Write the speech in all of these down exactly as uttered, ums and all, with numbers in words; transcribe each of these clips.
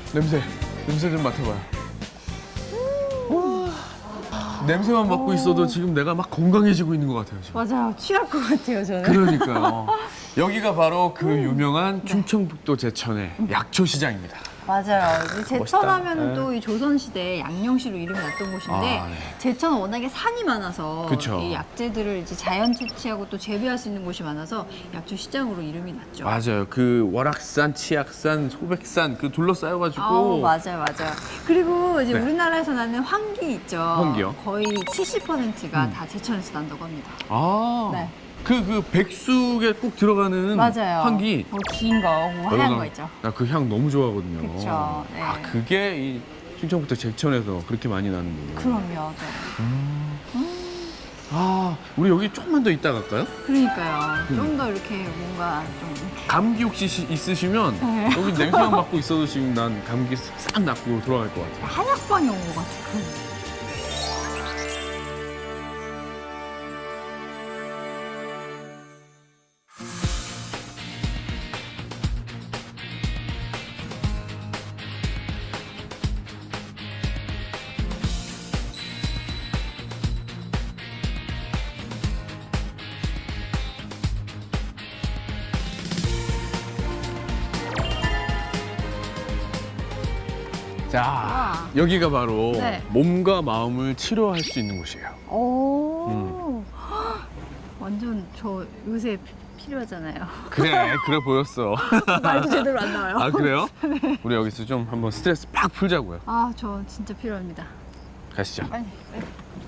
냄새, 냄새 좀 맡아봐요. 와, 냄새만 맡고 있어도 지금 내가 막 건강해지고 있는 것 같아요. 지금. 맞아요. 취할 것 같아요, 저는. 그러니까요. 여기가 바로 그 유명한 충청북도 제천의 약초시장입니다. 맞아요. 이제 제천하면 멋있다. 또 이 조선시대 양령시로 이름이 났던 곳인데 아, 네. 제천은 워낙에 산이 많아서 그쵸. 이 약재들을 이제 자연 채취하고 또 재배할 수 있는 곳이 많아서 약초 시장으로 이름이 났죠. 맞아요. 그 월악산, 치악산, 소백산 그 둘러싸여가지고. 아우, 맞아요, 맞아요. 그리고 이제 네. 우리나라에서 나는 황기 있죠. 황기요? 거의 칠십 퍼센트가 음. 다 제천에서 난다고 합니다. 아, 네. 그, 그 백숙에 꼭 들어가는 맞아요. 향기. 뭐 긴 거, 뭐 하얀 거 있죠. 나 그 향 너무 좋아하거든요. 그쵸, 네. 아, 그게 이 충청북도 제천에서 그렇게 많이 나는군요. 그럼요. 네. 아, 우리 여기 조금만 더 있다 갈까요? 그러니까요. 음. 좀 더 이렇게 뭔가 좀 이렇게 감기 혹시 시- 있으시면 네. 여기 냄새만 맡고 있어도 지금 난 감기 싹 낫고 돌아갈 것 같아요. 한약방에 온 것 같은 그런 느낌. 자, 와. 여기가 바로 네. 몸과 마음을 치료할 수 있는 곳이에요. 오. 음. 완전 저 요새 피- 필요하잖아요. 그래, 그래 보였어. 말도 제대로 안 나와요. 아, 그래요? 우리 여기서 좀 한번 스트레스 팍 풀자고요. 아, 저 진짜 필요합니다. 가시죠. 빨리. 빨리.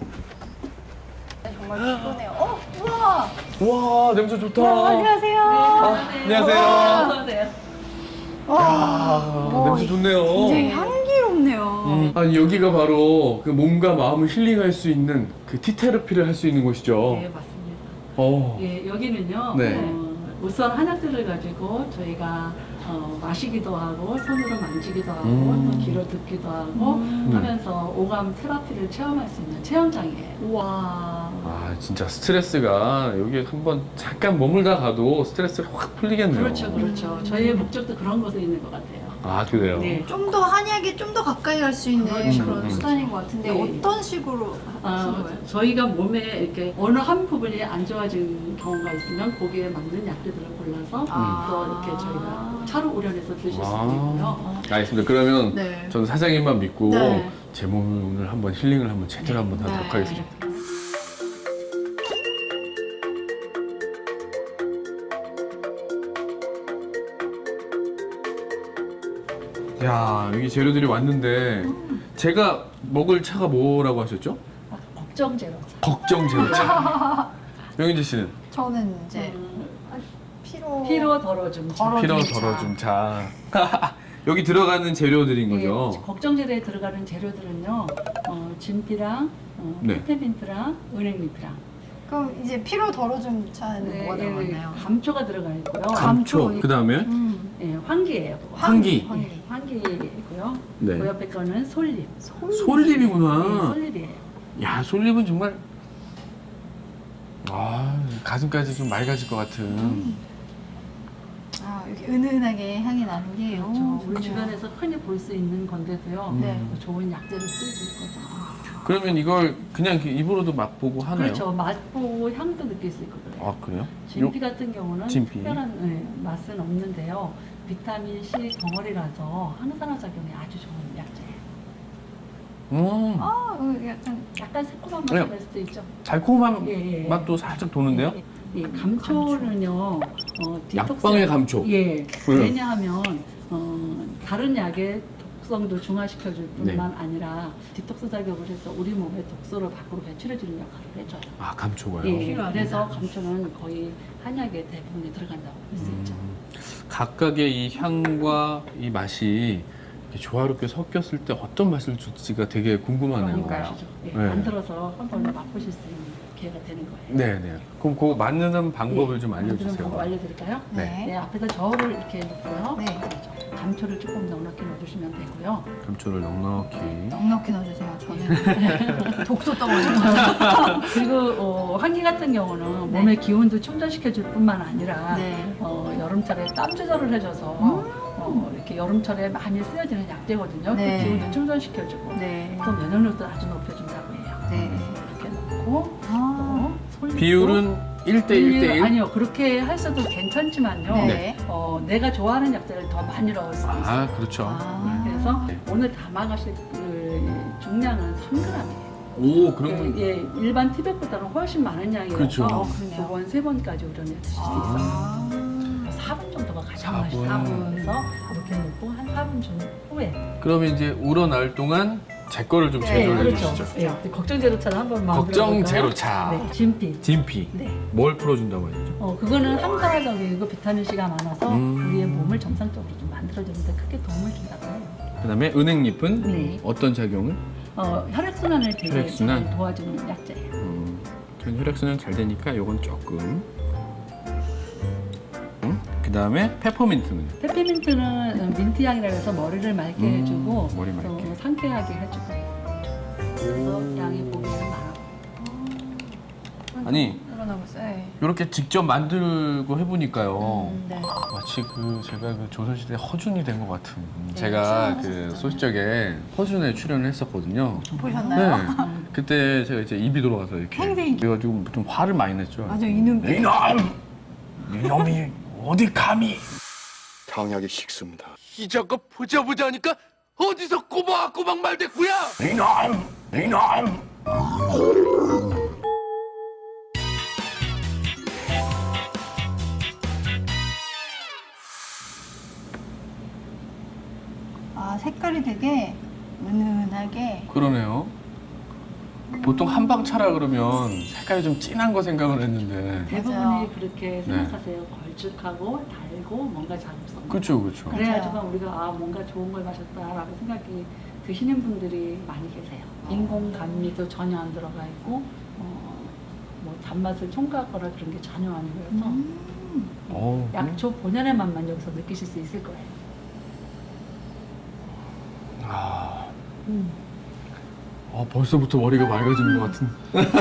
정말 피곤해요. 어, 우와. 와, 냄새 좋다. 어, 안녕하세요. 안녕하세요. 안녕하세요. 와, 아, 뭐, 냄새 좋네요. 굉장히 향기롭네요. 음, 아니 여기가 바로 그 몸과 마음을 힐링할 수 있는 그 티테라피를 할 수 있는 곳이죠. 네, 맞습니다. 어. 예, 여기는요. 네. 어, 우선 한약들을 가지고 저희가 어, 마시기도 하고 손으로 만지기도 하고 음. 또 귀로 듣기도 하고 음. 하면서 오감 테라피를 체험할 수 있는 체험장이에요. 우와. 아 진짜 스트레스가 여기 한번 잠깐 머물다 가도 스트레스가 확 풀리겠네요. 그렇죠, 그렇죠. 저희의 목적도 그런 곳에 있는 것 같아요. 아 그래요. 네. 좀 더 한약에 좀 더 가까이 갈 수 있는 그렇죠. 그런 음. 수단인 것 같은데 네. 어떤 식으로 하시는 아, 거예요? 저희가 몸에 이렇게 어느 한 부분이 안 좋아진 경우가 있으면 거기에 맞는 약들을 골라서 아. 또 이렇게 저희가 차로 우려내서 드실 수도 아. 있고요. 알겠습니다. 그러면 네. 저는 사장님만 믿고 네. 제 몸을 오늘 한번 힐링을 한번 제대로 한번 하도록 네. 하겠습니다. 야 여기 재료들이 왔는데 제가 먹을 차가 뭐라고 하셨죠? 아, 걱정 제로. 걱정 제로차. 명인재 씨는 저는 이제 음, 피로 피로 덜어줌. 덜어- 피로 덜어준 차. 덜어준 차. 여기 들어가는 재료들인 거죠? 예, 걱정제로에 들어가는 재료들은요, 어, 진피랑, 어, 네. 페페민트랑, 은행잎이랑. 그럼 이제 피로 덜어준 차는 뭐가 들어갔나요? 감초가 들어가 있고요. 감초. 감초. 그 다음에 음. 예, 황기예요. 그거. 황기. 황기. 황기고요. 네. 그 옆에 거는 솔잎. 솔잎이구나. 네, 솔잎이에요. 야 솔잎은 정말 아 가슴까지 좀 맑아질 것 같은. 아, 이렇게 은은하게 향이 나는 게 그렇죠. 오, 우리 좋네요. 주변에서 흔히 볼 수 있는 건데도요. 네. 좋은 약재를 쓰고 있거든요. 그러면 이걸 그냥 이렇게 입으로도 맛보고 하나요? 그렇죠. 맛보고 향도 느낄 수 있거든요. 아 그래요? 진피 같은 경우는 진피. 특별한 네, 맛은 없는데요. 비타민 C 덩어리라서 항산화 작용이 아주 좋은 약재예요. 음 아, 어, 약간 약간 새콤한 네. 맛이 날 수도 있죠. 달콤한 예, 예. 맛도 살짝 도는데요? 예, 예, 감초는요. 어, 디톡스- 약방의 감초. 예. 왜요? 왜냐하면 어, 다른 약의 독성도 중화시켜줄 뿐만 네. 아니라 디톡스 작용을 해서 우리 몸의 독소를 밖으로 배출해주는 역할을 해줘요. 아 감초가요? 예, 필요합니다. 그래서 감초는 거의 한약의 대부분이 들어간다고 볼 수 있죠. 음, 각각의 이 향과 이 맛이 이렇게 조화롭게 섞였을 때 어떤 맛을 줄지가 되게 궁금하네요. 그러니까요. 아시죠? 예, 네. 만들어서 한번 맛보실 수 있는 기회가 되는 거예요. 네네. 그럼 그 만드는 방법을 예, 좀 만드는 알려주세요. 방법 알려드릴까요? 네. 네, 앞에다 저울을 이렇게 놓고요. 네. 그렇죠. 감초를 조금 넉넉히 넣어주시면 되고요. 감초를 넉넉히. 넉넉히 넣어주세요. 저는 독소 덩어리. 그리고 어, 환기 같은 경우는 네. 몸의 기운도 충전시켜줄 뿐만 아니라 네. 어, 여름철에 땀 조절을 해줘서 어, 이렇게 여름철에 많이 쓰여지는 약재거든요. 네. 그 기운을 충전시켜주고 네. 또 면역력도 아주 높여준다고 해요. 네. 이렇게 넣고 아. 또 솔잎도 비율은 일 대 일 대 일? 아니요, 그렇게 하셔도 괜찮지만요. 네. 어, 내가 좋아하는 약재를 더 많이 넣을 수 있어요. 아, 그렇죠. 아. 그래서 네. 오늘 담아가실 그 중량은 삼 그램이에요. 오, 그러면 예, 일반 티백보다는 훨씬 많은 양이라서 그렇죠. 어, 그러네요. 두 번, 세 번까지 우려내 드실 수 있어요. 아. 사 분 정도가 가장 사 분. 맛있어요. 사 분. 그래서 이렇게 넣고 한 사 분 정도 후에. 그러면 이제 우러날 동안 제 거를 좀 제조를 그렇죠. 해주시죠. 예, 걱정 제로차를 한번 만들어 걱정 볼까요? 제로차. 네, 진피. 진피. 네. 뭘 풀어준다고 했죠? 어, 그거는 항산화적이고 비타민 C가 많아서 음. 우리의 몸을 정상적으로 좀 만들어주는데 크게 도움을 준다고 해요. 그다음에 은행잎은 네. 어떤 작용을? 어, 혈액순환을 되게 혈액순환? 잘 도와주는 약재예요. 음, 전 혈액순환 잘 되니까 요건 조금. 음? 그다음에 페퍼민트는? 페퍼민트는 민트 향이라 해서 머리를 맑게 음, 해주고 머리 맑게. 또 상쾌하게 해주고 그래서 양이 보기에는 많아. 아니 그러나 보세요. 네. 이렇게 직접 만들고 해보니까요. 음, 네. 마치 그 제가 그 조선시대 허준이 된 것 같은. 네, 제가 그 출연하셨었잖아요. 소시적에 허준에 출연을 했었거든요. 보셨나요? 네. 그때 제가 이제 입이 돌아가서 이렇게 팽팽히. 그래가지고 좀 화를 많이 냈죠. 맞아, 이놈. 이놈! 이놈이 어디 감히? 강약이 식습니다. 이 작업 보자 보자 하니까 어디서 꼬박꼬박 말대꾸야? 이놈! 이놈! 아, 색깔이 되게 은은하게. 그러네요. 보통 한방차라 그러면 색깔이 좀 진한 거 생각을 했는데. 대부분이 맞아요. 그렇게 생각하세요. 걸쭉하고 달고 뭔가 자극성. 그렇죠, 그렇죠. 그래야지만 우리가 아 뭔가 좋은 걸 마셨다라고 생각이 드시는 분들이 많이 계세요. 인공 감미도 전혀 안 들어가 있고 어, 뭐 단맛을 첨가하거나 그런 게 전혀 아니고서 음. 어, 약초 본연의 맛만 여기서 느끼실 수 있을 거예요. 아, 어, 벌써부터 머리가 맑아지는 것 같은.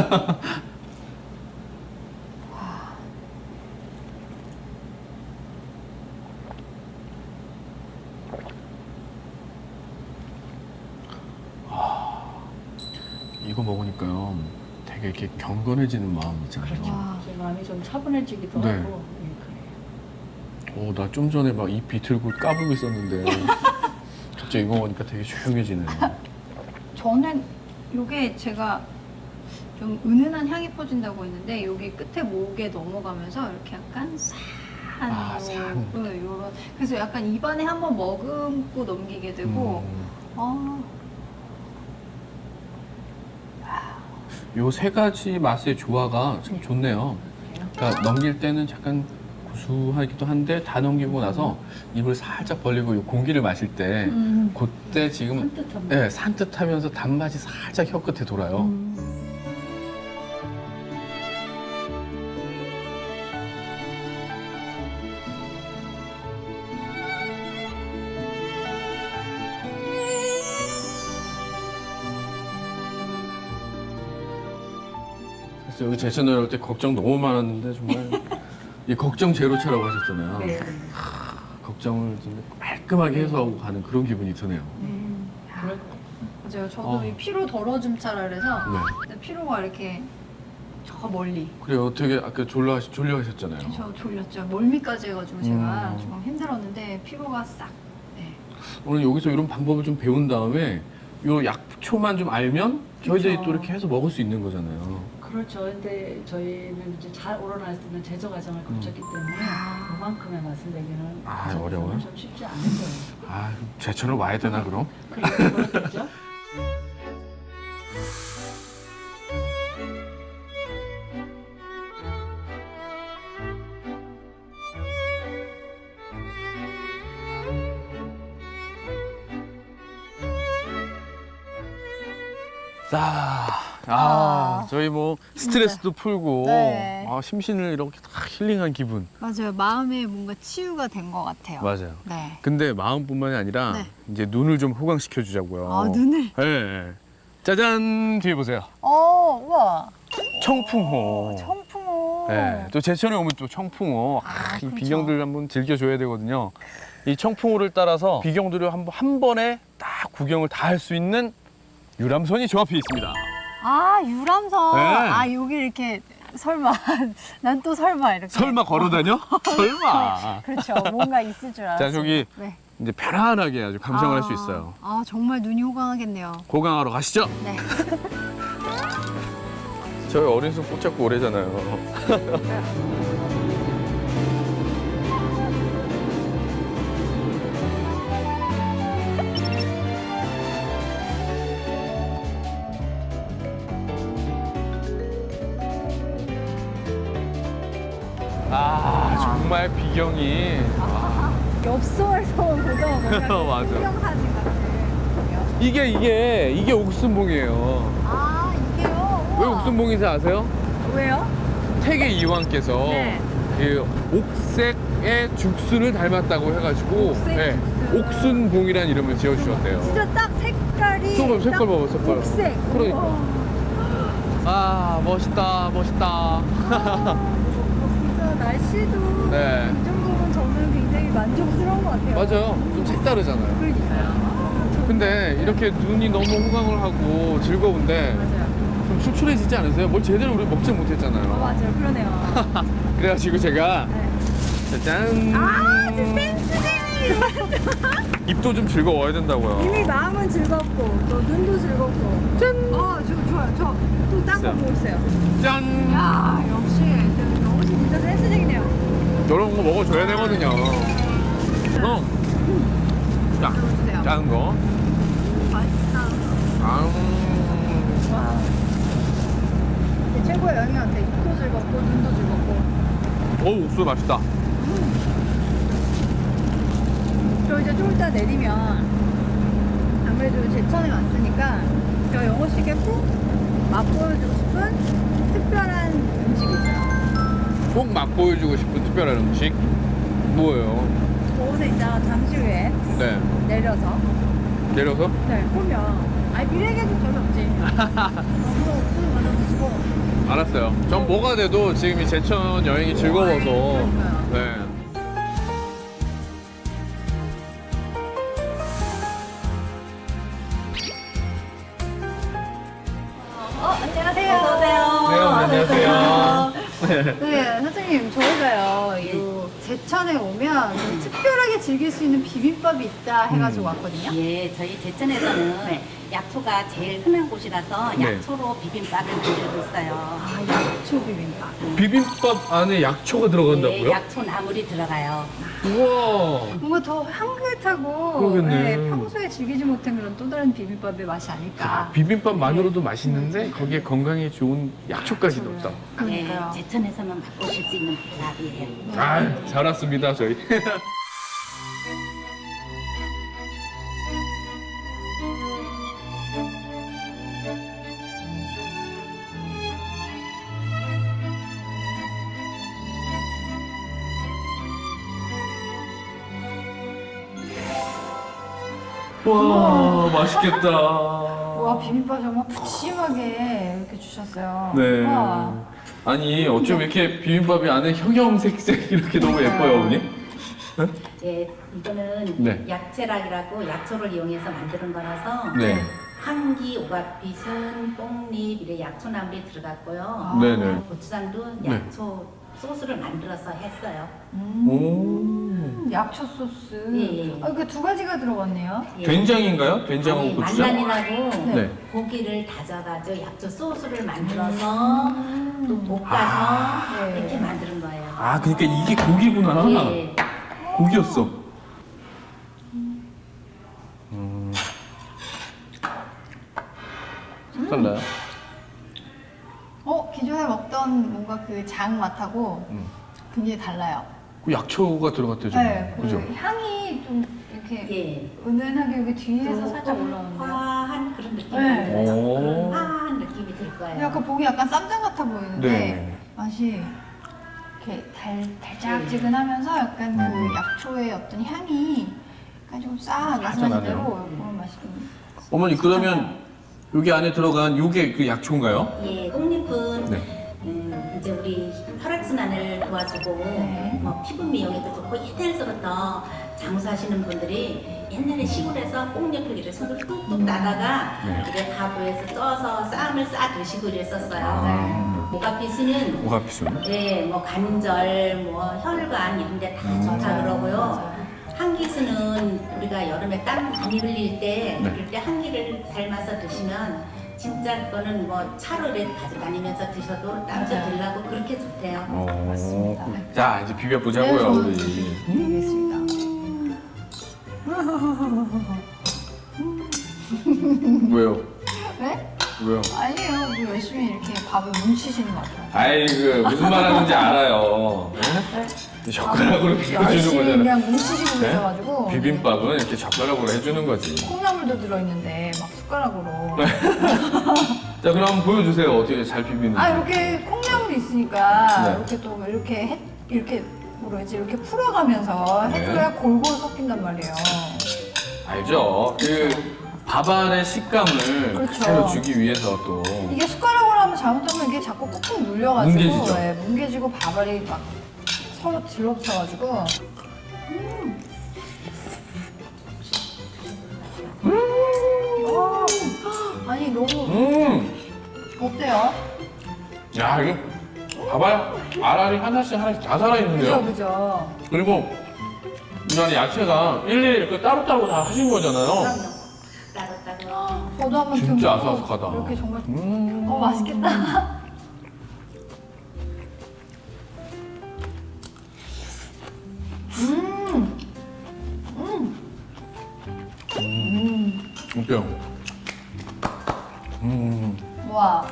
이거 먹으니까요, 되게 이렇게 경건해지는 마음 있잖아요. 그렇죠. 와. 제 마음이 좀 차분해지기도 네. 하고 예, 그래요. 어, 나 좀 전에 막 입 비틀고 까불고 있었는데 갑자기 이거 먹으니까 되게 조용해지네요. 저는 요게 제가 좀 은은한 향이 퍼진다고 했는데 여기 끝에 목에 넘어가면서 이렇게 약간 싸한 아, 요- 산. 네, 요런 그래서 약간 입안에 한번 머금고 넘기게 되고 음. 아, 요 세 가지 맛의 조화가 참 네. 좋네요. 그러니까 넘길 때는 약간 구수하기도 한데 다 넘기고 나서 입을 살짝 벌리고 요 공기를 마실 때 음. 그때 지금 산뜻한 네, 산뜻하면서 단맛이 살짝 혀 끝에 돌아요. 음. 그래서 여기 제 채널 올 때 걱정 너무 많았는데 정말 이 걱정 제로차라고 하셨잖아요. 네. 걱정을 좀 깔끔하게 해소하고 가는 그런 기분이 드네요. 음. 그럴 맞아요. 저도 어. 이 피로 덜어줌 차라 그래서 네. 근데 피로가 이렇게 저 멀리 그래요. 되게 아까 졸려 졸려 하셨잖아요. 저 졸렸죠. 멀미까지 해가지고 제가 음. 좀 힘들었는데 피로가 싹. 네. 오늘 여기서 이런 방법을 좀 배운 다음에 요 약초만 좀 알면 저희들이 그쵸. 또 이렇게 해서 먹을 수 있는 거잖아요. 그렇죠. 근데 저희는 이제 잘 우러날 수 있는 제조 과정을 거쳤기 때문에 아. 그만큼의 맛을 내기는 아, 저로서는 어려워요? 좀 쉽지 않은 거예요. 아, 제 채널 와야 되나 그럼? 그렇겠죠? 자, 아, 아. 저희 뭐 스트레스도 풀고 네. 아, 심신을 이렇게 다 힐링한 기분. 맞아요. 마음에 뭔가 치유가 된 것 같아요. 맞아요. 네. 근데 마음뿐만이 아니라 네. 이제 눈을 좀 호강시켜 주자고요. 아, 눈을. 네. 짜잔 뒤에 보세요. 어, 우와. 청풍호. 청풍호. 네. 또 제천에 오면 또 청풍호. 아, 이 그렇죠. 비경들 한번 즐겨줘야 되거든요. 이 청풍호를 따라서 비경도를 한, 번- 한 번에 딱 구경을 다 할 수 있는 유람선이 저 앞에 있습니다. 아 유람선. 네. 아 여기 이렇게 설마 난 또 설마 이렇게. 설마 걸어 다녀? 설마. 그렇죠. 뭔가 있을 줄 알았어요. 자, 저기 네. 이제 편안하게 아주 감상을 할 수 아, 있어요. 아 정말 눈이 호강하겠네요. 고강하러 가시죠. 네. 저희 어린 손 꼭 잡고 오래잖아요. 아, 정말 비경이. 엽서에서 보던 뭔가 맞아. 풍경사진 같은. 이게, 이게, 이게 옥순봉이에요. 아 이게요? 왜 우와. 옥순봉인지 아세요? 왜요? 태계 이왕께서 네. 그 옥색의 죽순을 닮았다고 해가지고 옥색 네, 죽순. 옥순봉이라는 이름을 지어주셨대요. 진짜 딱 색깔이. 조금 딱 색깔 봐봐, 색깔. 옥색. 그러니까. 우와. 아, 멋있다, 멋있다. 아, 진짜 날씨도 네. 이 정도면 저는 굉장히 만족스러운 것 같아요. 맞아요. 좀 색다르잖아요. 그러니까요. 근데 이렇게 눈이 너무 호강을 하고 즐거운데 맞아요. 좀 출출해지지 않으세요? 뭘 제대로 우리 먹지 못했잖아요. 아, 맞아요. 그러네요. 그래가지고 제가 네. 짜잔. 아, 진짜 센스쟁이! 입도 좀 즐거워야 된다고요. 이미 마음은 즐겁고, 또 눈도 즐겁고. 짠! 어, 저, 좋아요. 저, 또 딴 거 있어요. 보고 있어요. 짠. 야, 역시, 저 영호 씨 진짜 센스쟁이네요. 이런 거 먹어줘야 되거든요. 어. 자, 주세요. 작은 거. 맛있다. 아, 와. 이게 최고의 영양인데, 입도 즐겁고, 눈도 즐겁고. 오, 옥수수 맛있다. 저 이제 좀 이따 내리면 아무래도 제천에 왔으니까 저 영호 씨께 꼭 맛보여주고 싶은 특별한 음식이 있어요. 꼭 맛보여주고 싶은 특별한 음식? 뭐예요? 오늘 이따 잠시 후에 네. 내려서 내려서? 네, 보면 아니 미래 계획 별로 없지. 너무 없으면 먼저 드시고. 알았어요. 전 뭐가 돼도 지금 이 제천 여행이 즐거워서. 그러니까요. 네. 어, 안녕하세요. 어서 네, 안녕하세요. 네, 사장님, 저희가요, 이 제천에 오면 좀 특별하게 즐길 수 있는 비빔밥이 있다 해가지고 왔거든요. 예, 저희 제천에서는 약초가 제일 흔한 곳이라서 네. 약초로 비빔밥을 만들고 있어요. 아, 약초 비빔밥. 비빔밥 안에 약초가 들어간다고요? 예, 약초 나물이 들어가요. 우와. 뭔가 더 향긋하고 그러겠네. 네, 평소에 즐기지 못한 그런 또 다른 비빔밥의 맛이 아닐까. 비빔밥만으로도 맛있는데 거기에 건강에 좋은 약초까지 넣었다. 그러니까요. 예, 제천에서만 맛보실 수 있는 밥이에요. 아, 잘 왔습니다, 저희. 와, 맛있겠다. 와, 비빔밥 정말 푸짐하게 이렇게 주셨어요. 네. 와. 아니, 어쩜 이렇게 비빔밥이 안에 형형색색 이렇게 너무 예뻐요, 어머니? 예, 이거는 네. 약채락이라고 약초를 이용해서 만드는 거라서 네. 한기, 오각빛은, 뽕잎, 이래 약초나물이 들어갔고요. 네네. 고추장도 네. 약초 소스를 만들어서 했어요. 음, 오. 약초 소스. 예, 예. 아, 이게 두 가지가 들어갔네요. 예. 된장인가요? 된장하고 아니, 고추장? 만난이라고 네. 고기를 다져가지고 약초 소스를 만들어서 또 볶아서 네. 이렇게 만드는 거예요. 아, 그러니까 이게 고기구나. 예. 고기였어. 음. 달라요? 어, 기존에 먹던 뭔가 그 장 맛하고 음. 굉장히 달라요. 그 약초가 들어갔대요, 지금. 네, 그 그죠? 향이 좀 이렇게 예. 은은하게 여기 뒤에서 살짝 조금 올라오는데. 화한 그런 느낌이 네. 들어요. 오. 화한 느낌이 들 거예요. 약간 보기 약간 쌈장 같아 보이는데 네. 맛이 이렇게 달, 달짝지근하면서 약간 음. 그 약초의 어떤 향이 약간 좀 싹 나네요. 말씀하신 대로 그런 맛이 좀. 어머니, 그러면 여기 안에 들어간 요게 그 약초인가요? 예, 꽃잎은 네. 음, 이제 우리 혈액순환을 도와주고 네. 뭐 피부 미용에도 좋고 옛날서부터 장수하시는 분들이 옛날에 시골에서 꽁잎을 이렇게 손으로 뚝뚝 따다가 네. 이렇게 밥에서 쪄서 쌈을 싸 드시고 이랬었어요. 아. 오가피수는 오가피순. 네, 뭐 관절, 뭐 혈관 이런 데 다 좋다 그러고요. 한기수는 우리가 여름에 땀 많이 흘릴 때 네. 그럴 때 한기를 삶아서 드시면 진짜 그거는 뭐 차로 이렇게 가져다니면서 드셔도 땀좀 맞아요. 들라고 그렇게 좋대요. 어. 맞습니다. 자 이제 비벼 보자고요 네, 저는 우리. 알겠습니다. 왜요? 네? 왜요? 아니에요. 뭐 열심히 이렇게 밥을 뭉치시는 것 같아요. 아이 그 무슨 말 하는지 알아요. 네? 이 젓가락으로 이렇게 해주는 열심히 거잖아. 그냥 뭉치시고 네? 계셔가지고 비빔밥은 이렇게 젓가락으로 해주는 거지. 콩나물도 들어있는데 막 숟가락으로 자 그럼 보여주세요. 어떻게 잘 비비는지. 아 이렇게 콩나물이 있으니까 네. 이렇게 또 이렇게 해, 이렇게 뭐라지 이렇게 풀어가면서 네. 해줘야 골고루 섞인단 말이에요. 알죠. 그 밥 안의 식감을 그렇죠. 그대로 주기 위해서 또. 이게 숟가락으로 하면 잘못하면 이게 자꾸 꾹꾹 눌려가지고 뭉개지죠. 네, 뭉개지고 밥알이 막 서로 들러붙어가지고 음. 음. 아니 너무 음. 어때요? 야 이거 봐봐요. 알알이 하나씩 하나씩 다 살아있는데요. 그죠 그죠. 그리고 이 안에 야채가 일일이 이렇게 따로따로 다 하신 거잖아요. 그럼요. 따로따로. 저도 한번 진짜 좀 아삭아삭하다. 이렇게 정말 음. 어 맛있겠다. 음. 음. 음. 어때요? 음. 와.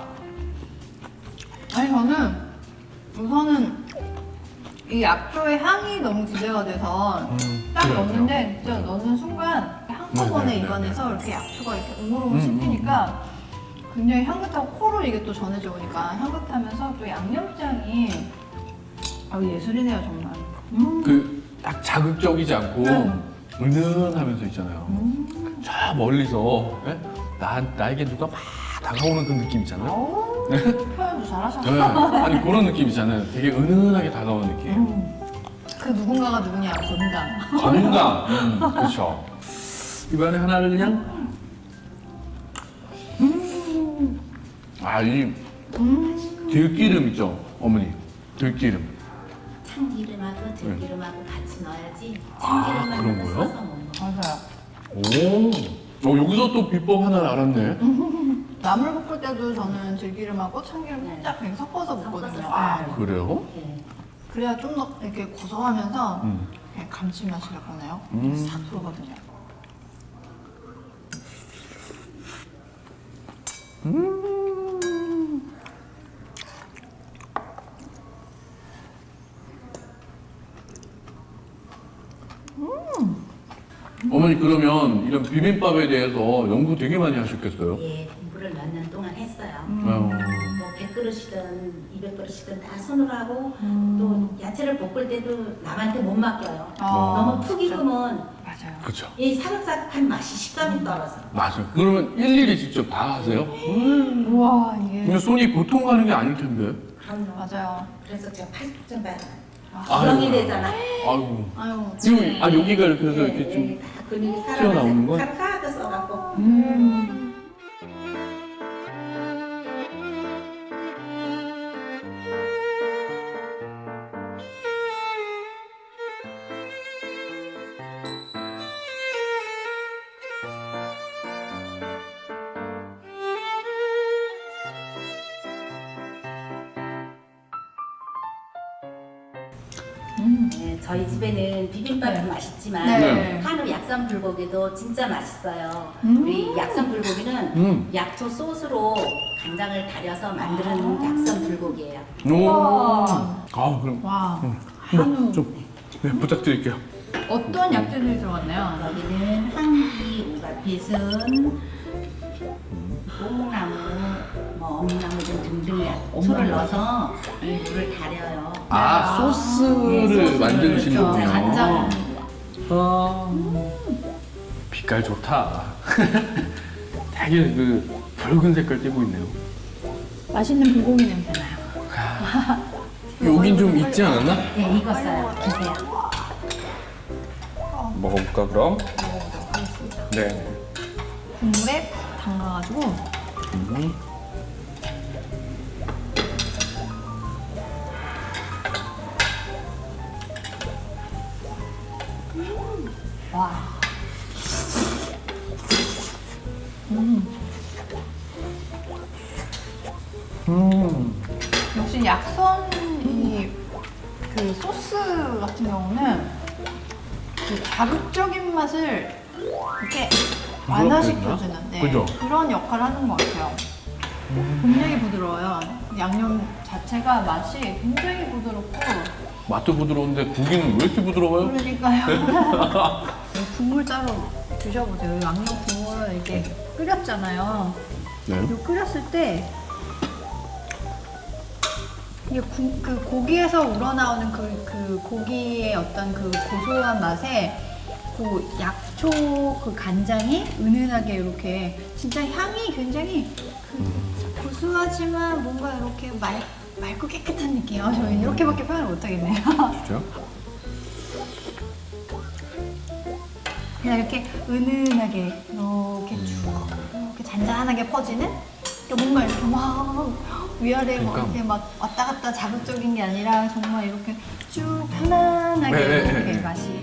아니 저는 우선은 이 약초의 향이 너무 기대가 돼서 음, 딱 그래요. 넣는데 진짜 넣는 순간 한꺼번에 네, 네, 네, 입안에서 이렇게 약초가 이렇게 오물오물 음, 씹히니까 굉장히 향긋하고 코로 이게 또 전해져 오니까 향긋하면서 또 양념장이 아 예술이네요 정말. 음. 그 딱 자극적이지 않고 네. 은은하면서 있잖아요. 음. 저 멀리서 예? 나, 나에게 누가 막 다가오는 그 느낌 있잖아요. 오, 표현도 잘하셨네. 네. 아니 그런 느낌 있잖아요. 되게 은은하게 다가오는 느낌. 음. 그 누군가가 누구냐 건강. 건강. 음, 그렇죠. 입안에 하나를 그냥. 음. 아, 이 들기름 있죠, 어머니. 들기름. 참기름하고 들기름하고 같이 넣어야지. 네. 아, 참기름만 그런 넣어서 거요? 써서 먹는 거. 오. 어, 여기서 또 비법 하나를 알았네. 나물 볶을 때도 저는 들기름하고 참기름 살짝 이렇게 섞어서 먹거든요. 섞어서 아, 써요. 그래요? 네. 그래야 좀 더 이렇게 고소하면서 음. 이렇게 감칠맛이라고 하나요? 음. 싹 들어거든요. 어머니 그러면 이런 비빔밥에 대해서 연구 되게 많이 하셨겠어요? 예, 공부를 몇 년 동안 했어요. 음. 뭐 백 그릇이든 이백 그릇이든 다 손으로 하고 또 야채를 볶을 때도 남한테 못 맡겨요. 아, 너무 푹 익으면 맞아요. 그렇죠. 이 사각사각한 맛이 식감이 떨어져요. 맞아요. 그러면 일일이 직접 다 하세요? 우와 이게 근데 손이 보통 가는 게 아닐 텐데. 그럼요. 맞아요. 그래서 제가 팔뚝 좀 봐요. 아유. 구멍이 되잖아. 아이고. 아유. 지금 아 여기가 이렇게 해서 예, 이렇게 좀. 예, 다 근육이 튀어나오는 거야? 살아나서 카카도 써갖고. 음. 네, 저희 집에는 비빔밥도 네. 맛있지만 네. 한우 약산 불고기도 진짜 맛있어요. 음. 우리 약산 불고기는 음. 약초 소스로 간장을 달여서 만드는 약산 불고기예요. 오. 우와. 아 그럼 와. 음. 한우. 좀 네, 부탁드릴게요. 어떤 약재들이 들어갔나요? 여기는 한기, 오가피순, 뽕나무, 뭐 엄나무 등등 약초를 넣어서 이 물을 달여요. 아 소스를 소스를 만드시는 그렇죠. 거군요. 간장. 아. 빛깔 좋다. 되게 그 붉은 색깔 띠고 있네요. 맛있는 불고기 냄새 나요. 여긴 좀 익지 않았나? 네, 익었어요. 드세요. 먹어볼까 그럼? 먹어보도록 하겠습니다. 네. 국물에 담가가지고 음. 와. 음. 음. 역시 약선 이 그 소스 같은 경우는 그 자극적인 맛을 이렇게 완화시켜주는 네, 그죠? 그런 역할을 하는 것 같아요. 굉장히 부드러워요. 양념 자체가 맛이 굉장히 부드럽고 맛도 부드러운데 고기는 왜 이렇게 부드러워요? 그러니까요. 국물 따로 드셔보세요. 양념 국물을 이렇게 끓였잖아요. 네. 이거 끓였을 때 이게 구, 그 고기에서 우러나오는 그, 그 고기의 어떤 그 고소한 맛에 그 약초 그 간장이 은은하게 이렇게 진짜 향이 굉장히 그 구수하지만 뭔가 이렇게 맑, 맑고 깨끗한 느낌이에요. 저희 이렇게밖에 표현을 못하겠네요. 그죠? 그냥 이렇게 은은하게 이렇게 쭉 이렇게 잔잔하게 퍼지는 뭔가 이렇게 막 위아래 막 그러니까. 이렇게 막 왔다 갔다 자극적인 게 아니라 정말 이렇게 쭉 편안하게 네, 네, 이렇게 네. 맛이.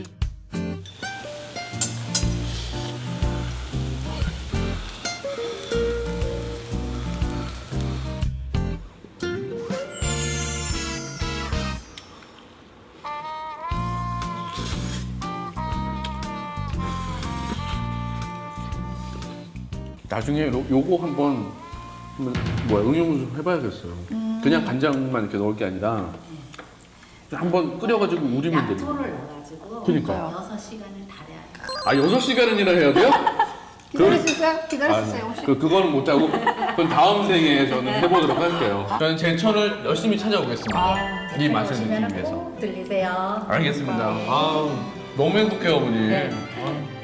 나중에 요, 요거 한번 한번 뭐야 응용 좀 해봐야겠어요. 음. 그냥 간장만 이렇게 넣을 게 아니라 한번 끓여가지고 우리면 되는. 약초를 넣어가지고 그러니까. 여섯 시간을 달여야 돼요. 아 여섯 시간이나 해야 돼요? 기다릴 수 있어요? 기다릴 수 있어요 혹시? 그 그거는 못 하고 그건 다음 생에 저는 해보도록 할게요. 저는 제천을 열심히 찾아오겠습니다. 아, 이 맛을 느끼기 오시면은 위해서. 꼭 들리세요. 알겠습니다. 아 너무 행복해요 어머니. 네. 아.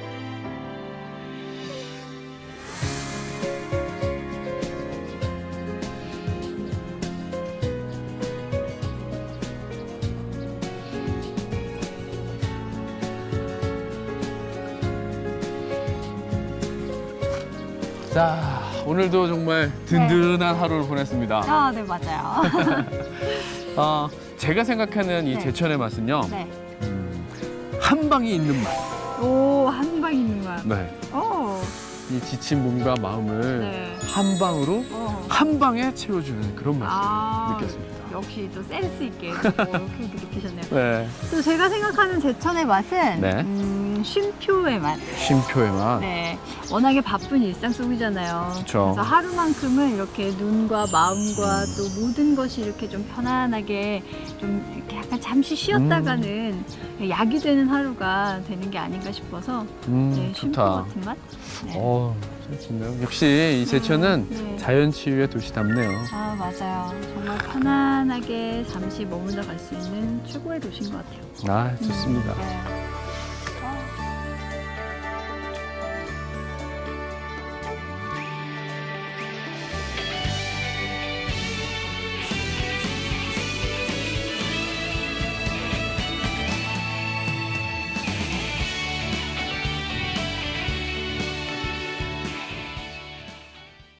자, 오늘도 정말 든든한 하루를 보냈습니다. 아, 네 맞아요. 어, 제가 생각하는 이 네. 제천의 맛은요, 네. 음, 한 방이 있는 맛. 오, 한 방 있는 맛. 네. 오. 이 지친 몸과 마음을 네. 한 방으로 어. 한 방에 채워주는 그런 맛을 아, 느꼈습니다. 역시 또 센스 있게 이렇게 느끼셨네요. 네. 또 제가 생각하는 제천의 맛은 네. 음, 쉼표의 맛. 쉼표의 맛. 네, 워낙에 바쁜 일상 속이잖아요. 그쵸. 그래서 하루만큼은 이렇게 눈과 마음과 또 모든 것이 이렇게 좀 편안하게 좀 이렇게 약간 잠시 쉬었다가는 약이 되는 하루가 되는 게 아닌가 싶어서 음, 네, 쉼표 좋다. 같은 맛. 네. 어, 참 좋네요. 역시 이 제천은 네. 자연 치유의 도시답네요. 아 맞아요. 정말 편안하게 잠시 머물러 갈 수 있는 최고의 도시인 것 같아요. 아, 좋습니다. 네.